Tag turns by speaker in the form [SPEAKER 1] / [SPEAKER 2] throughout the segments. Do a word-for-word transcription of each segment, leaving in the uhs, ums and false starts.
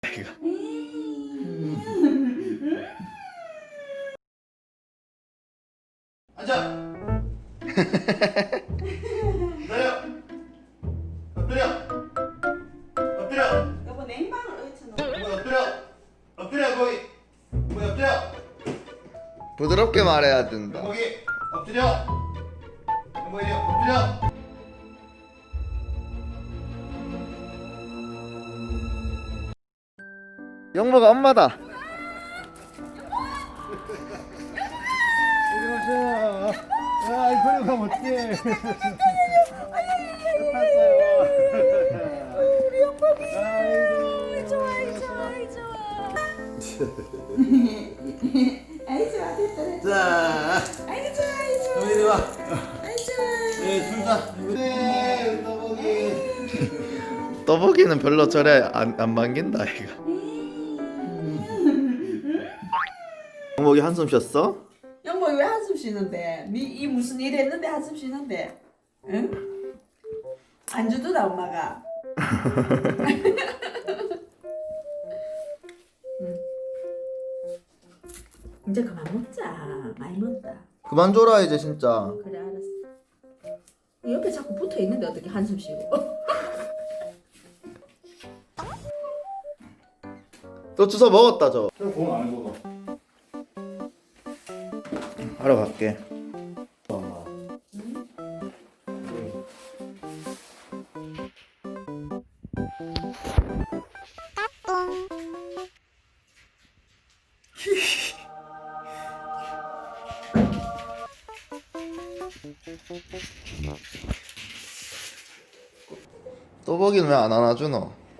[SPEAKER 1] 앉아. 기다려. 엎드려. 엎드려.
[SPEAKER 2] 여보 냉방을 어디서 넣어?
[SPEAKER 1] 거기 엎드려. 엎드려 거기. 거기 엎드려.
[SPEAKER 3] 부드럽게 말해야 된다.
[SPEAKER 1] 거기 엎드려. 거기 엎드려.
[SPEAKER 3] 영모가 엄마다.
[SPEAKER 4] 안녕하세요. 아, 이거를 가면 어떡해.
[SPEAKER 2] 우리 영범이
[SPEAKER 4] 아이고.
[SPEAKER 2] 좋아 좋아 좋아. 아이 좋아 됐다 됐다.
[SPEAKER 4] 자,
[SPEAKER 2] 아이 좋아 아이 좋아.
[SPEAKER 4] 이리 와.
[SPEAKER 2] 아이 좋아.
[SPEAKER 4] 네, 둘다. 네, 떠보기.
[SPEAKER 3] 떠보기는 별로 저래 안, 안 반긴다 이거. 영목이 한숨 쉬었어?
[SPEAKER 2] 영범이 왜 한숨 쉬는데? 니 이 무슨 일 했는데 한숨 쉬는데? 응? 안 주더라 엄마가. 응. 이제 그만 먹자. 많이 먹었다.
[SPEAKER 3] 그만 줘라 이제 진짜.
[SPEAKER 2] 그래 알았어. 옆에 자꾸 붙어 있는데 어떻게 한숨 쉬고?
[SPEAKER 3] 또 주워 먹었다 저.
[SPEAKER 4] 공안 먹어.
[SPEAKER 3] 하러 갈게. 떠보기는 왜 안 안아주노?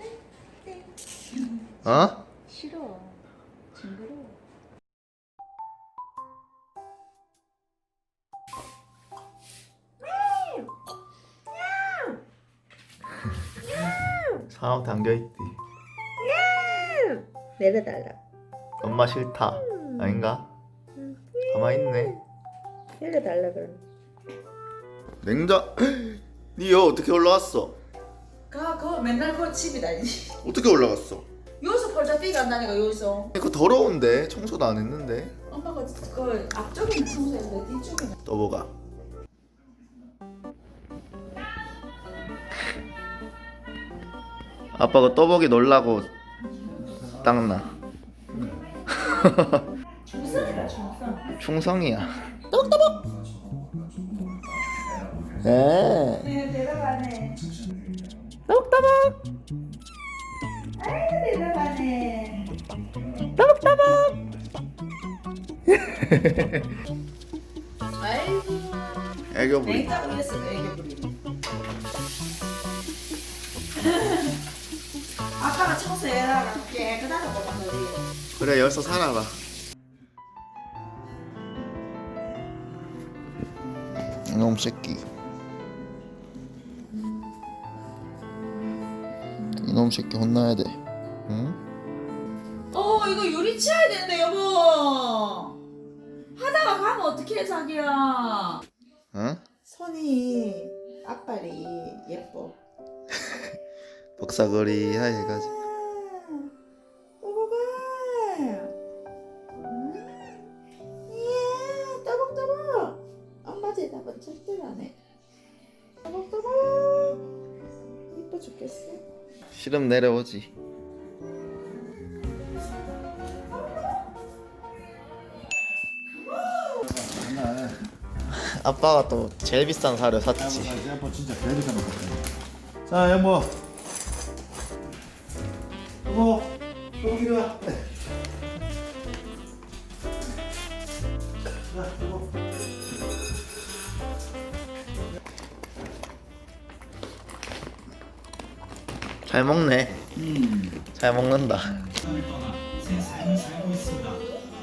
[SPEAKER 3] 어?
[SPEAKER 2] 싫어. 징그러워.
[SPEAKER 3] 사람 담겨있디.
[SPEAKER 2] 내려달라.
[SPEAKER 3] 엄마 싫다 아닌가? 가만있네.
[SPEAKER 2] 내려달라 그럼.
[SPEAKER 3] 냉장. 니 여 어떻게 올라왔어?
[SPEAKER 2] 가, 그거 맨날 그거 집이다.
[SPEAKER 3] 어떻게 올라갔어?
[SPEAKER 2] 여기서 벌자 뛰가 안 나니까 여기서.
[SPEAKER 3] 이거 더러운데 청소도 안 했는데.
[SPEAKER 2] 엄마가 그 앞쪽에는 청소했는데 뒤쪽에는.
[SPEAKER 3] 떠보가. 아빠가 떠보기 놀라고 닦나.
[SPEAKER 2] 충성이다 충성.
[SPEAKER 3] 충성이야. 떡떠벅. 네.
[SPEAKER 2] 네 내려가네.
[SPEAKER 3] 떡떠벅.
[SPEAKER 2] 아이고 내려가네.
[SPEAKER 3] 떡떠벅.
[SPEAKER 2] 아이고.
[SPEAKER 3] 애교 부리.
[SPEAKER 2] 냉장고 위에서 애교 부리네. 아빠가 청소해라. 깨끗하다고 방들이.
[SPEAKER 3] 그래 여기서 살아라. 이놈 새끼. 이놈 새끼 혼나야 돼. 응?
[SPEAKER 2] 어 이거 유리 치워야 되는데 여보. 하다가 가면 어떡해 자기야.
[SPEAKER 3] 응?
[SPEAKER 2] 손이 앞발이 예뻐.
[SPEAKER 3] 복사거리 하이 해가지고.
[SPEAKER 2] 떠보가. 이야 떠벅떠벅. 엄마 대답은 절대로 안 해. 떠벅떠벅. 이뻐 죽겠어.
[SPEAKER 3] 싫음 내려오지. 아빠가 또 제일 비싼 사료 샀지.
[SPEAKER 4] 양보 진짜 배리가 먹었다. 자, 양보. 여보, 여기 이리 와. 자, 여보.
[SPEAKER 3] 잘 먹네.
[SPEAKER 4] 음.
[SPEAKER 3] 잘 먹는다.
[SPEAKER 4] 새 삶을 살고 있습니다.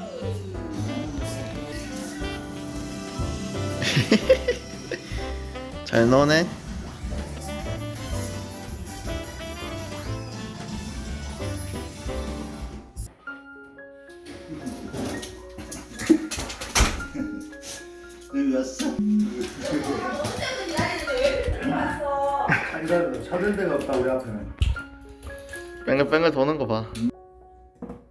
[SPEAKER 3] 잘 노네.
[SPEAKER 4] 여기 왔어? 기다려. 찾을 데가 없다 우리 앞에는.
[SPEAKER 3] 뱅글뱅글 도는 거 봐.